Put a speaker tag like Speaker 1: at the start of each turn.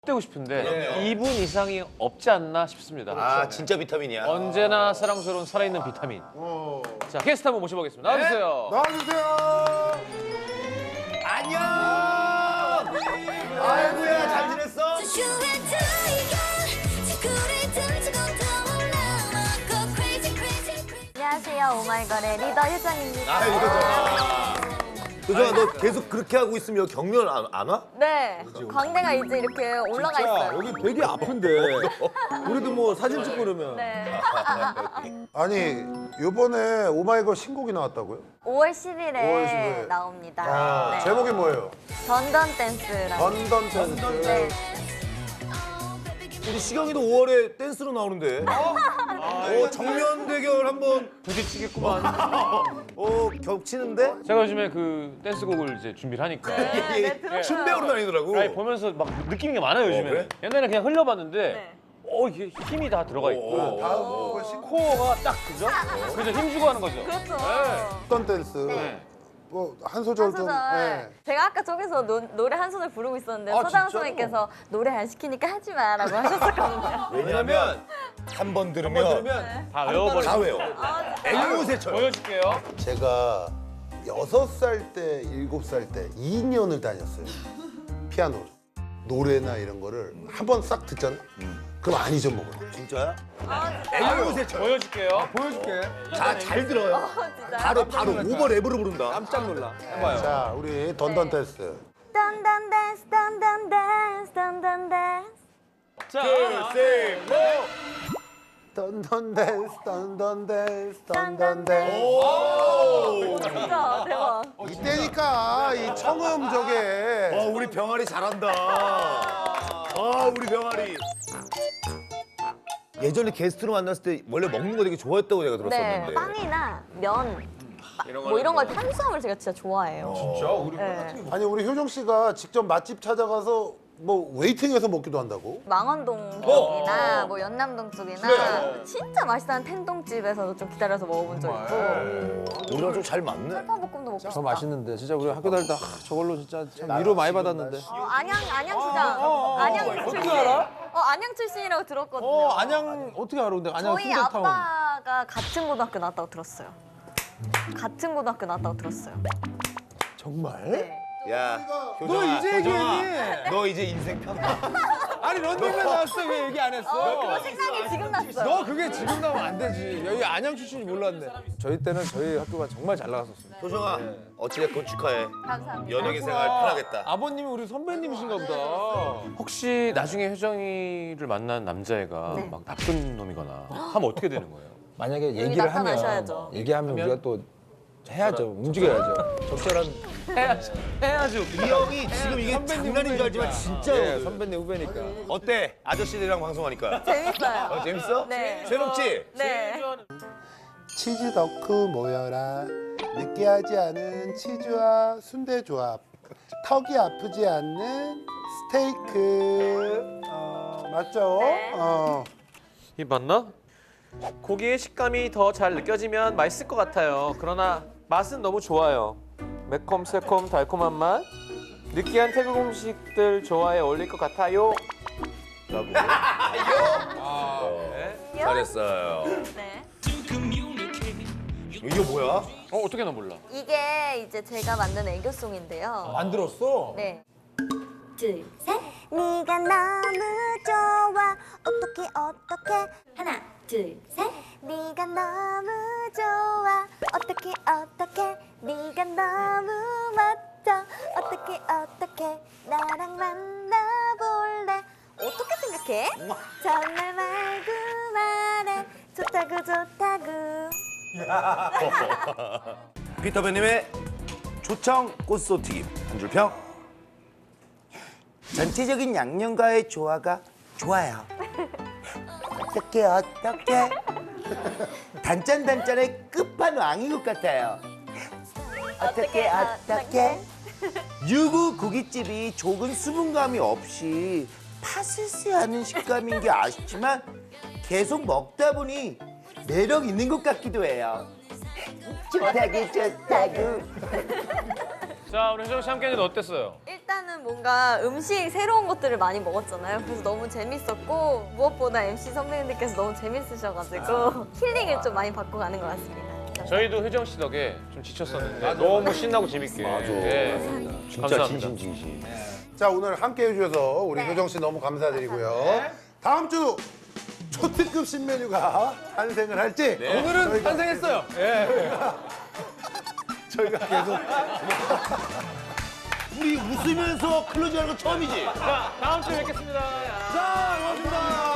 Speaker 1: 되고 싶은데 2분 이상이 없지 않나 싶습니다.
Speaker 2: 아 진짜 비타민이야.
Speaker 1: 언제나 사랑스러운 살아있는 비타민. 자, 게스트 한번 모셔보겠습니다. 나와주세요.
Speaker 3: 나와주세요.
Speaker 2: 안녕. 아이고야 잘 지냈어?
Speaker 4: 안녕하세요, 오마이걸의 리더 효정입니다.
Speaker 2: 아 이거잖아. 효정아 너 계속 그렇게 하고 있으면 경련 안 와?
Speaker 4: 네, 광대가 이제 이렇게 올라가 있어요.
Speaker 3: 여기 되게 아픈데. 우리도 뭐 사진 찍고 그러면.
Speaker 4: 네.
Speaker 5: 아니 요번에 오마이걸 신곡이 나왔다고요?
Speaker 4: 5월 10일에
Speaker 5: 5월 10일.
Speaker 4: 나옵니다.
Speaker 5: 아,
Speaker 4: 네.
Speaker 5: 제목이 뭐예요?
Speaker 4: 던던 댄스라고.
Speaker 5: 던던 댄스.
Speaker 4: 네.
Speaker 2: 우리 시경이도 5월에 댄스로 나오는데. 정면 대결 한번
Speaker 1: 부딪히겠구만.
Speaker 2: 겹치는데?
Speaker 1: 제가 요즘에 그 댄스곡을 이제 준비를 하니까.
Speaker 4: 네, 들었어요.
Speaker 2: 춤배우로 다니더라고.
Speaker 1: 아니, 보면서 막 느끼는 게 많아요, 요즘에.
Speaker 2: 그래?
Speaker 1: 옛날에 그냥 흘려봤는데,
Speaker 4: 네.
Speaker 1: 이게 힘이 다 들어가 있고.
Speaker 5: 다음 곡은 신곡
Speaker 1: 코어가 딱 그죠? 그죠? 힘주고 하는 거죠.
Speaker 4: 그렇죠.
Speaker 5: 던던 댄스.
Speaker 1: 네.
Speaker 5: 뭐 한 소절
Speaker 4: 한
Speaker 5: 좀.
Speaker 4: 소절.
Speaker 5: 네.
Speaker 4: 제가 아까 저기서 노래 한 소절 부르고 있었는데
Speaker 5: 아,
Speaker 4: 서장
Speaker 5: 진짜로?
Speaker 4: 선생님께서 노래 안 시키니까 하지 마라고 하셨었거든요.
Speaker 2: 왜냐면 한 번 들으면
Speaker 1: 다 외워버리고.
Speaker 2: 다 외워.
Speaker 4: 아,
Speaker 2: 앵무새처럼.
Speaker 1: 보여줄게요.
Speaker 5: 제가 6살 때, 7살 때 2년을 다녔어요. 피아노를. 노래나 이런 거를 한 번 싹 듣잖아요. 그럼 안 잊어먹어요.
Speaker 2: 진짜야?
Speaker 4: 아,
Speaker 2: 앵무새처럼.
Speaker 1: 보여줄게요.
Speaker 3: 보여줄게.
Speaker 2: 잘 들어요.
Speaker 4: 진짜.
Speaker 2: 바로 오버 랩으로 부른다.
Speaker 3: 깜짝 놀라. 해봐요.
Speaker 5: 자, 우리 던던 댄스.
Speaker 4: 던던 댄스, 던던 댄스, 던던 댄스.
Speaker 1: 자,
Speaker 2: 셋, 넷.
Speaker 5: 던던 댄스, 던던 댄스, 던던
Speaker 4: 던던
Speaker 5: 댄스.
Speaker 4: 진짜 대박.
Speaker 5: 이때니까 이 청음 저게.
Speaker 2: 우리 병아리 잘한다. 우리 병아리. 예전에 게스트로 만났을 때 원래 먹는 거 되게 좋아했다고 제가
Speaker 4: 네,
Speaker 2: 들었었는데.
Speaker 4: 빵이나 면, 뭐 이런 거 탄수화물 제가 진짜 좋아해요.
Speaker 3: 진짜? 우리
Speaker 4: 네.
Speaker 5: 아니 우리 효정 씨가 직접 맛집 찾아가서 뭐 웨이팅해서 먹기도 한다고?
Speaker 4: 망원동 쪽이나 뭐 연남동 쪽이나 진짜 맛있는 텐동집에서도 좀 기다려서 먹어본 적 있고
Speaker 2: 우리랑 좀 잘 맞네.
Speaker 4: 쌀밥볶음도 먹고 싶다.
Speaker 3: 더 맛있는데 진짜 우리 학교 다닐 때 저걸로 진짜 참 위로 많이 받았는데.
Speaker 4: 안양시장. 안양 출신. 안양 출신이라고 들었거든요.
Speaker 3: 안양 어떻게 알아? 근데 안양
Speaker 4: 저희
Speaker 3: 순대타운.
Speaker 4: 아빠가 같은 고등학교 나왔다고 들었어요. 같은 고등학교 나왔다고 들었어요.
Speaker 3: 정말?
Speaker 4: 네.
Speaker 2: 야,
Speaker 3: 너
Speaker 2: 효정아,
Speaker 3: 이제
Speaker 2: 효정아,
Speaker 3: 얘기했니?
Speaker 2: 너 이제 인생 편하.
Speaker 3: 아니 런닝맨 나왔을 때 왜 얘기 안 했어?
Speaker 4: 그거 생각이 지금 났어요.
Speaker 3: 너 그게 지금 나오면 안 되지. 여기 안양 출신이 몰랐네. 저희 때는 저희 학교가 정말 잘 나갔었어요.
Speaker 2: 효정아, 어찌됐건 축하해.
Speaker 4: 감사합니다.
Speaker 2: 연예계 생활 편하겠다.
Speaker 3: 아버님이 우리 선배님이신가 보다.
Speaker 1: 혹시 나중에 효정이를 만난 남자애가
Speaker 4: 네.
Speaker 1: 막 나쁜 놈이거나 하면 어떻게 되는 거예요?
Speaker 3: 만약에
Speaker 4: 여기
Speaker 3: 얘기를
Speaker 4: 나타나셔야죠.
Speaker 3: 하면 얘기하면 우리가 또 해야죠. 움직여야죠. 적절한
Speaker 1: 해야죠.
Speaker 2: 이 형이 지금 이게 장난인 줄 알지만 진짜.
Speaker 3: 예, 선배님 후배니까.
Speaker 2: 어때? 아저씨들이랑 방송하니까.
Speaker 4: 재밌어요.
Speaker 2: 재밌어?
Speaker 4: 네.
Speaker 2: 새롭지?
Speaker 4: 네.
Speaker 5: 치즈 덕후 모여라. 느끼하지 않은 치즈와 순대 조합. 턱이 아프지 않는 스테이크. 맞죠?
Speaker 4: 네.
Speaker 1: 이 맞나? 고기의 식감이 더 잘 느껴지면 맛있을 것 같아요. 그러나 맛은 너무 좋아요. 매콤, 새콤, 달콤한 맛. 느끼한 태국 음식들 좋아해 어울릴 것 같아요. 라고.
Speaker 2: 잘했어요.
Speaker 4: 네.
Speaker 2: 이게 뭐야?
Speaker 1: 어떻게 나 몰라.
Speaker 4: 이게 이제 제가 만든 애교송인데요.
Speaker 3: 안 들었어?
Speaker 4: 네. 둘, 셋. 네가 너무 좋아. 어떻게 하나, 둘, 셋. 네가 너무 좋아. 어떻게 네가 너무 멋져. 어떻게 나랑 만나볼래. 어떻게 생각해? 정말 말고 말해. 좋다고.
Speaker 2: 피터팬님의 초청 꽃소튀김 한 줄 평.
Speaker 6: 전체적인 양념과의 조화가 좋아요. 어떻게 단짠단짠의 끝판왕인 것 같아요. 어떻게 유부 고깃집이 조금 수분감이 없이 파스스하는 식감인 게 아쉽지만 계속 먹다 보니 매력 있는 것 같기도 해요. 좋다고.
Speaker 1: 자, 우리 효정 씨 함께 했는데 어땠어요?
Speaker 4: 일단은 뭔가 음식 새로운 것들을 많이 먹었잖아요. 그래서 너무 재밌었고 무엇보다 MC 선배님들께서 너무 재밌으셔가지고 힐링을 좀 많이 받고 가는 것 같습니다.
Speaker 1: 저희도 효정 씨 덕에 좀 지쳤었는데 너무 신나고 재밌게. 맞아.
Speaker 2: 진짜
Speaker 1: 감사합니다.
Speaker 2: 진심.
Speaker 5: 자, 오늘 함께 해주셔서 우리 효정 씨 너무 감사드리고요. 다음 주 초특급 신메뉴가 탄생을 할지
Speaker 3: 오늘은 탄생했어요. 예.
Speaker 5: 저희가 계속
Speaker 6: 우리 웃으면서 클로징하는 거 처음이지.
Speaker 1: 자, 다음 주에 뵙겠습니다.
Speaker 5: 자, 고맙습니다.